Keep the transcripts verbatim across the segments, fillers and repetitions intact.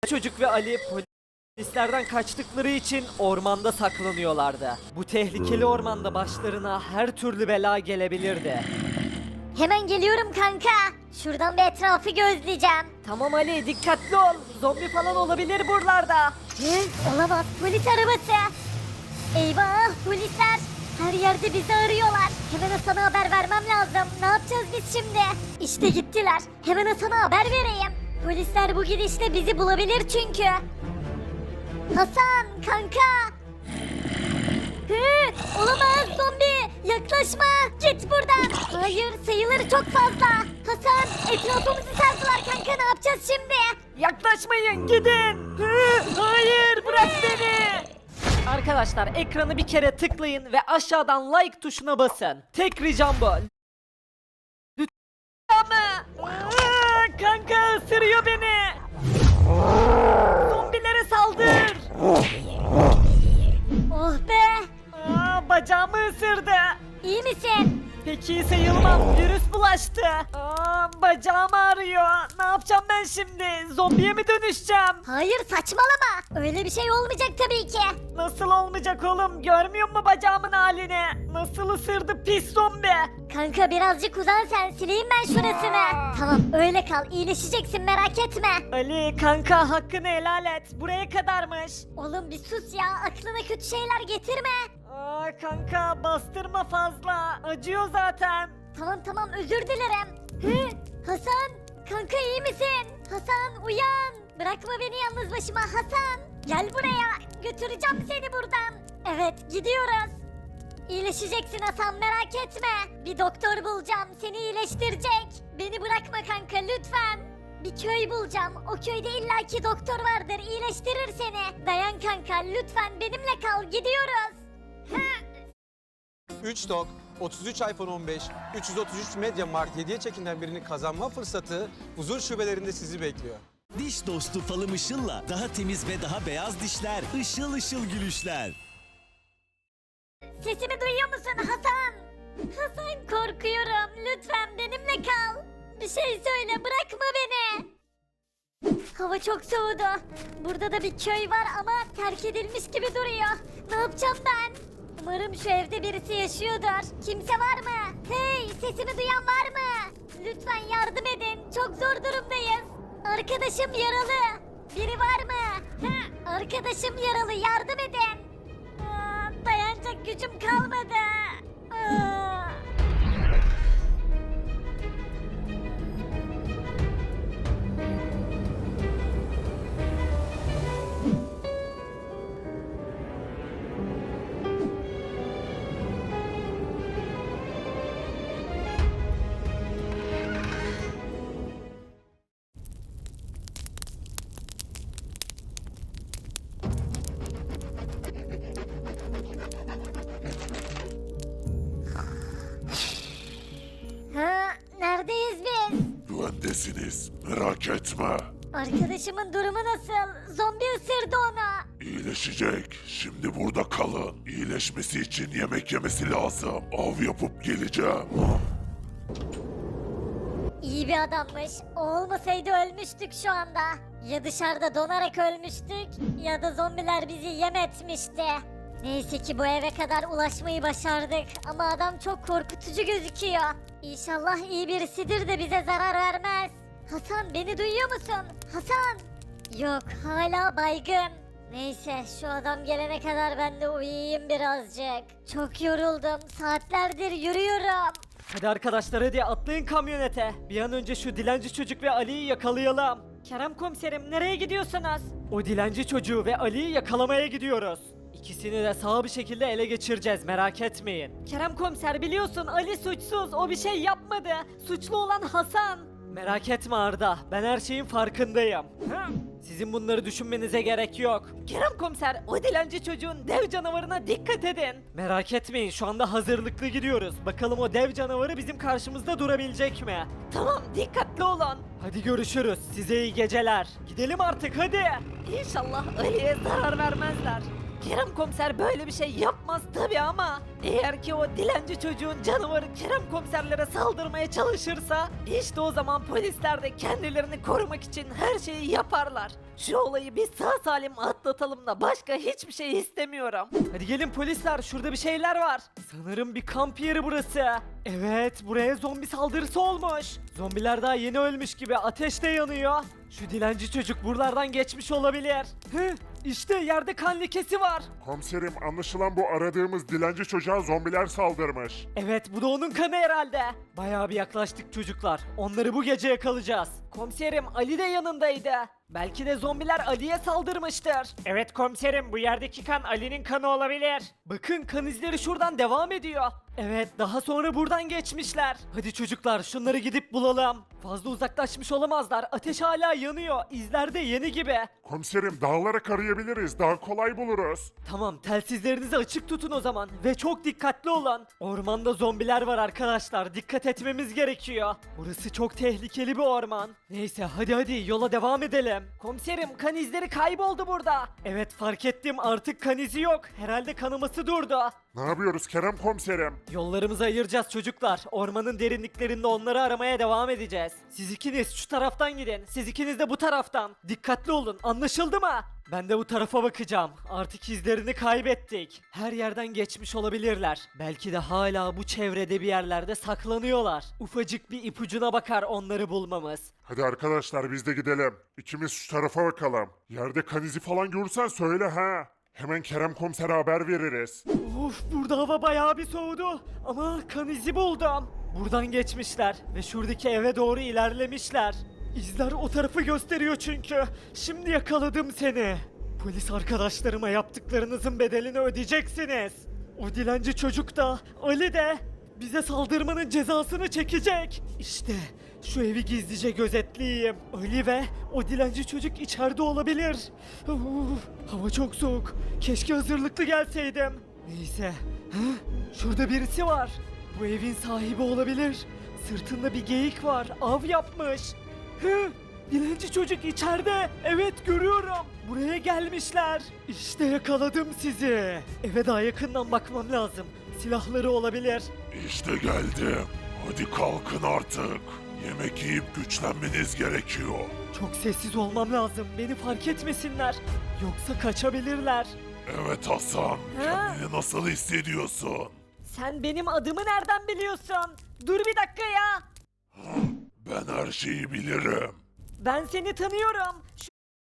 Çocuk ve Ali polislerden kaçtıkları için ormanda saklanıyorlardı. Bu tehlikeli ormanda başlarına her türlü bela gelebilirdi. Hemen geliyorum kanka. Şuradan bir etrafı gözleyeceğim. Tamam Ali, dikkatli ol. Zombi falan olabilir buralarda. Hı? Olamaz, polis arabası. Eyvah, polisler. Her yerde bizi arıyorlar. Hemen Hasan'a haber vermem lazım. Ne yapacağız biz şimdi? İşte gittiler. Hemen Hasan'a haber vereyim. Polisler bu gidişle bizi bulabilir çünkü. Hasan, kanka. Hı, olamaz zombi. Yaklaşma. Git buradan. Hayır, sayıları çok fazla. Hasan, etrafımızı sardılar kanka. Ne yapacağız şimdi? Yaklaşmayın, gidin. Hı, hayır, bırak beni. Arkadaşlar ekranı bir kere tıklayın ve aşağıdan like tuşuna basın. Tek ricam bu. Lütfen ama. Aa, kanka ısırıyor beni. Zombilere saldır. Oh be. Aa, bacağımı ısırdı. İyi misin? Pek iyi sayılmam. Virüs bulaştı. Aa, bacağım ağrıyor. Ne yapacağım ben şimdi? Zombiye mi dönüşeceğim? Hayır saçmalama. Öyle bir şey olmayacak tabii ki. Nasıl olmayacak oğlum? Görmüyor musun bacağımın halini? Nasıl ısırdı pis zombi? Kanka birazcık uzan sen, sileyim ben şurasını. Tamam öyle kal, iyileşeceksin merak etme. Ali kanka hakkını helal et. Buraya kadarmış. Oğlum bir sus ya, aklına kötü şeyler getirme. Aa kanka bastırma fazla. Acıyor zaten. Tamam tamam özür dilerim. Hı, Hasan, kanka iyi misin? Hasan uyan. Bırakma beni yalnız başıma Hasan. Gel buraya, götüreceğim seni buradan. Evet gidiyoruz. İyileşeceksin Hasan merak etme. Bir doktor bulacağım seni iyileştirecek. Beni bırakma kanka lütfen. Bir köy bulacağım. O köyde illaki doktor vardır iyileştirir seni. Dayan kanka lütfen benimle kal gidiyoruz. üç dok, otuz üç iPhone on beş, üç yüz otuz üç MediaMarkt hediye çekinden birini kazanma fırsatı huzur şubelerinde sizi bekliyor. Diş dostu falım Işıl'la daha temiz ve daha beyaz dişler, ışıl ışıl gülüşler. Sesimi duyuyor musun Hasan? Hasan korkuyorum. Lütfen benimle kal. Bir şey söyle bırakma beni. Hava çok soğudu. Burada da bir köy var ama terk edilmiş gibi duruyor. Ne yapacağım ben? Umarım şu evde birisi yaşıyordur. Kimse var mı? Hey sesimi duyan var mı? Lütfen yardım edin. Çok zor durumdayız. Arkadaşım yaralı. Biri var mı? Hı, arkadaşım yaralı yardım edin. Aa, dayanacak gücüm kalmadı. Aa. Ha, neredeyiz biz? Güvendesiniz, merak etme. Arkadaşımın durumu nasıl? Zombi ısırdı onu. İyileşecek. Şimdi burada kalın. İyileşmesi için yemek yemesi lazım. Av yapıp geleceğim. İyi bir adammış. O olmasaydı ölmüştük şu anda. Ya dışarıda donarak ölmüştük ya da zombiler bizi yem etmişti. Neyse ki bu eve kadar ulaşmayı başardık ama adam çok korkutucu gözüküyor. İnşallah iyi birisidir de bize zarar vermez. Hasan beni duyuyor musun? Hasan! Yok hala baygın. Neyse şu adam gelene kadar ben de uyuyayım birazcık. Çok yoruldum. Saatlerdir yürüyorum. Hadi arkadaşlar hadi atlayın kamyonete. Bir an önce şu dilenci çocuk ve Ali'yi yakalayalım. Kerem komiserim nereye gidiyorsunuz? O dilenci çocuğu ve Ali'yi yakalamaya gidiyoruz. İkisini de sağ bir şekilde ele geçireceğiz merak etmeyin. Kerem komiser biliyorsun Ali suçsuz o bir şey yapmadı. Suçlu olan Hasan. Merak etme Arda ben her şeyin farkındayım. Hı? Sizin bunları düşünmenize gerek yok. Kerem komiser o dilenci çocuğun dev canavarına dikkat edin. Merak etmeyin şu anda hazırlıklı gidiyoruz. Bakalım o dev canavarı bizim karşımızda durabilecek mi? Tamam dikkatli olun. Hadi görüşürüz size iyi geceler. Gidelim artık hadi. İnşallah Ali'ye zarar vermezler. Kerem komiser böyle bir şey yapmaz tabi ama eğer ki o dilenci çocuğun canavarı Kerem komiserlere saldırmaya çalışırsa işte o zaman polisler de kendilerini korumak için her şeyi yaparlar. Şu olayı biz sağ salim atlatalım da başka hiçbir şey istemiyorum. Hadi gelin polisler, şurada bir şeyler var. Sanırım bir kamp yeri burası. Evet, buraya zombi saldırısı olmuş. Zombiler daha yeni ölmüş gibi ateş de yanıyor. Şu dilenci çocuk buralardan geçmiş olabilir. Hı, işte yerde kan lekesi var. Komiserim, anlaşılan bu aradığımız dilenci çocuğa zombiler saldırmış. Evet, bu da onun kanı herhalde. Bayağı bir yaklaştık çocuklar. Onları bu gece yakalayacağız. Komiserim, Ali de yanındaydı. Belki de zombiler Ali'ye saldırmıştır. Evet komiserim, bu yerdeki kan Ali'nin kanı olabilir. Bakın, kan izleri şuradan devam ediyor. Evet, daha sonra buradan geçmişler. Hadi çocuklar, şunları gidip bulalım. Fazla uzaklaşmış olamazlar. Ateş hala yanıyor. İzler de yeni gibi. Komiserim, dağlara arayabiliriz, daha kolay buluruz. Tamam, telsizlerinizi açık tutun o zaman ve çok dikkatli olun. Ormanda zombiler var arkadaşlar, dikkat etmemiz gerekiyor. Burası çok tehlikeli bir orman. Neyse, hadi hadi yola devam edelim. Komiserim, kan izleri kayboldu burada. Evet, fark ettim, artık kan izi yok. Herhalde kanaması durdu. Ne yapıyoruz Kerem komiserim? Yollarımızı ayıracağız çocuklar. Ormanın derinliklerinde onları aramaya devam edeceğiz. Siz ikiniz şu taraftan gidin. Siz ikiniz de bu taraftan. Dikkatli olun. Anlaşıldı mı? Ben de bu tarafa bakacağım. Artık izlerini kaybettik. Her yerden geçmiş olabilirler. Belki de hala bu çevrede bir yerlerde saklanıyorlar. Ufacık bir ipucuna bakar onları bulmamız. Hadi arkadaşlar, biz de gidelim. İkimiz şu tarafa bakalım. Yerde kan izi falan görürsen söyle ha. Hemen Kerem komisere haber veririz. Of, burada hava bayağı bir soğudu. Ama kan izi buldum. Buradan geçmişler ve şuradaki eve doğru ilerlemişler. İzler o tarafı gösteriyor çünkü. Şimdi yakaladım seni. Polis arkadaşlarıma yaptıklarınızın bedelini ödeyeceksiniz. O dilenci çocuk da, Ali de bize saldırmanın cezasını çekecek. İşte şu evi gizlice gözetleyeyim. Ali ve o dilenci çocuk içeride olabilir. Uf, hava çok soğuk. Keşke hazırlıklı gelseydim. Neyse. Hı? Şurada birisi var. Bu evin sahibi olabilir. Sırtında bir geyik var. Av yapmış. Hı? Dilenci çocuk içeride. Evet, görüyorum. Buraya gelmişler. İşte yakaladım sizi. Eve daha yakından bakmam lazım. Silahları olabilir. İşte geldim. Hadi kalkın artık. Yemek yiyip güçlenmeniz gerekiyor. Çok sessiz olmam lazım. Beni fark etmesinler. Yoksa kaçabilirler. Evet Hasan, Ha? kendini nasıl hissediyorsun? Sen benim adımı nereden biliyorsun? Dur bir dakika ya. Ben her şeyi bilirim. Ben seni tanıyorum. Şu...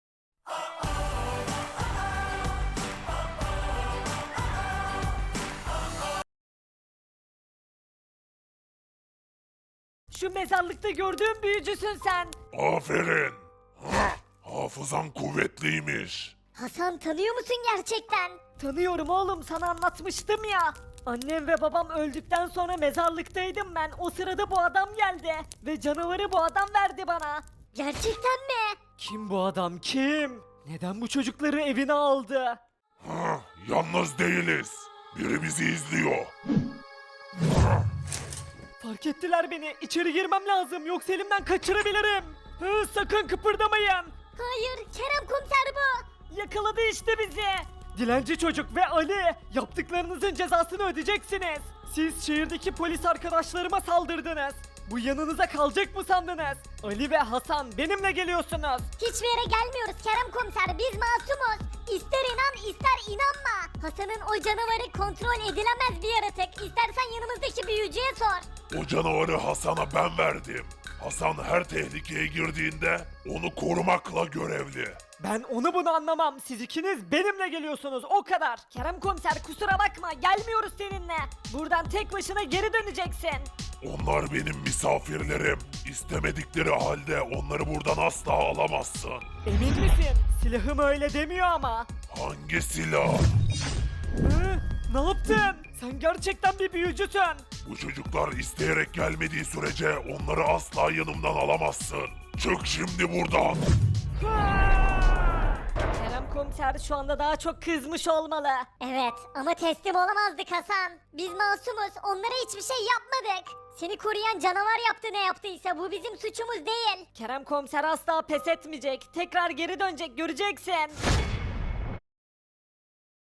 Şu mezarlıkta gördüğüm büyücüsün sen. Aferin. Ha, hafızan kuvvetliymiş. Hasan, tanıyor musun gerçekten? Tanıyorum oğlum, sana anlatmıştım ya. Annem ve babam öldükten sonra mezarlıktaydım ben. O sırada bu adam geldi. Ve canavarı bu adam verdi bana. Gerçekten mi? Kim bu adam, kim? Neden bu çocukları evine aldı? Ha, yalnız değiliz. Biri bizi izliyor. Fark ettiler beni. İçeri girmem lazım, yoksa elimden kaçırabilirim. Hı, sakın kıpırdamayın. Hayır, Kerem komiser bu. Yakaladı işte bizi. Dilenci çocuk ve Ali, yaptıklarınızın cezasını ödeyeceksiniz. Siz şehirdeki polis arkadaşlarıma saldırdınız. Bu yanınıza kalacak mı sandınız? Ali ve Hasan, benimle geliyorsunuz. Hiçbir yere gelmiyoruz Kerem komiser, biz masumuz. İster inan ister inanma. Hasan'ın o canavarı kontrol edilemez bir yaratık. İstersen yanımızdaki büyücüye sor. O canavarı Hasan'a ben verdim. Hasan her tehlikeye girdiğinde onu korumakla görevli. Ben onu bunu anlamam. Siz ikiniz benimle geliyorsunuz, o kadar. Kerem komiser, kusura bakma, gelmiyoruz seninle. Buradan tek başına geri döneceksin. Onlar benim misafirlerim. İstemedikleri halde onları buradan asla alamazsın. Emin misin? Silahım öyle demiyor ama. Hangi silah? Hı? Ne yaptın? Sen gerçekten bir büyücüsün. Bu çocuklar isteyerek gelmediği sürece onları asla yanımdan alamazsın. Çık şimdi buradan. Kerem komiser şu anda daha çok kızmış olmalı. Evet, ama teslim olamazdık Hasan. Biz masumuz, onlara hiçbir şey yapmadık. Seni koruyan canavar yaptı ne yaptıysa, bu bizim suçumuz değil. Kerem komiser asla pes etmeyecek. Tekrar geri dönecek, göreceksin.